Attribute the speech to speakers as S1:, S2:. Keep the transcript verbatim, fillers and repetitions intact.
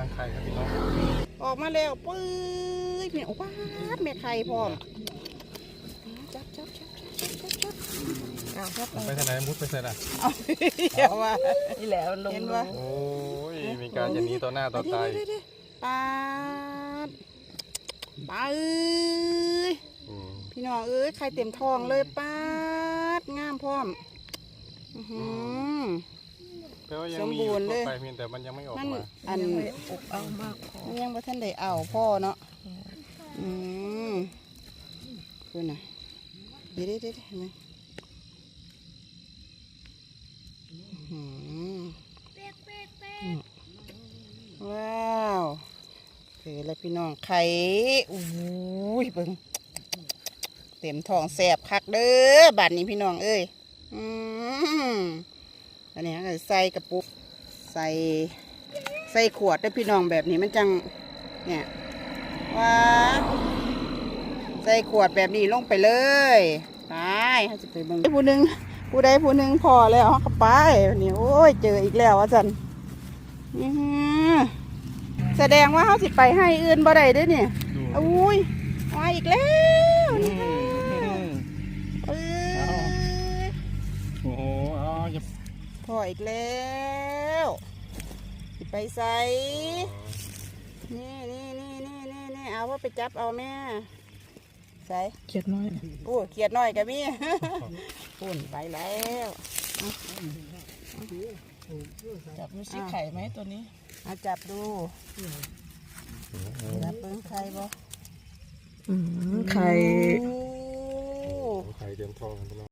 S1: รังไข่ครับพี่น้อง
S2: ออกมาแล้วปื๊ดเนี่ยว้าแม่ไข่พร้อมจับจับจับจับจับจับเอาจับ
S1: ไปทางไหนมุดไปใส่ละ
S2: เอาเดี๋ยวว่า
S3: นี่แหละลง
S2: เห็นว่า
S1: โอ้ยมีการจะหนีต่อหน้าต่อตา
S2: ปาดปาเอ้ยพี่น้องเอ้ยไข่เต็มท้องเลยปาดงามพร้อมสมบูรณ์เลย
S1: ไปเพียงแต่มันยังไม่ออกมา
S2: อัน
S3: อบเอามากพอ
S2: ยังบ่ทันได้เอาพ่อเนาะอืมคือน่ะเดี๋ยวเดี๋ยวเดี๋ยวเห็นไหมว้าวคือแล้วพี่น้องไข่อุ้ยเบิ่งเต็มท้องแสบคักเด้อบัดนี้พี่น้องเอ้ยอืมอันนี้ก็ใส่กระปุกใส่ใส่ขวดด้วยพี่น้องแบบนี้มันจังเนี่ยว้าใส่ขวดแบบนี้ลงไปเลยไปเขาจะไปเบิ่งผู้หนึ่งผู้ใดผู้หนึ่งพอแล้วเขาก็ไปนี่โอ้ยเจออีกแล้วว่าสันแสดงว่าเขาสิไปให้อื่นบ่ได้ด้วยเนี่ยอุ้ยมาอีกแล้วนี่เออ
S1: โอ้โหอ๋อจะ
S2: พออีกแล้วไปใส่นี่นี่นี่นี่นี่นี่เอาว่าไปจับเอาแม่ใส่
S3: เขียดน้อย
S2: โอ้เขียดน้อยกับมี่ปุ่นไปแล้ว
S3: จับดูสิไข่ไหมตัวนี้
S2: เอาจับดูจับเบิ้งไข่บ่
S3: ไข่
S1: ไข่เต็มท้อง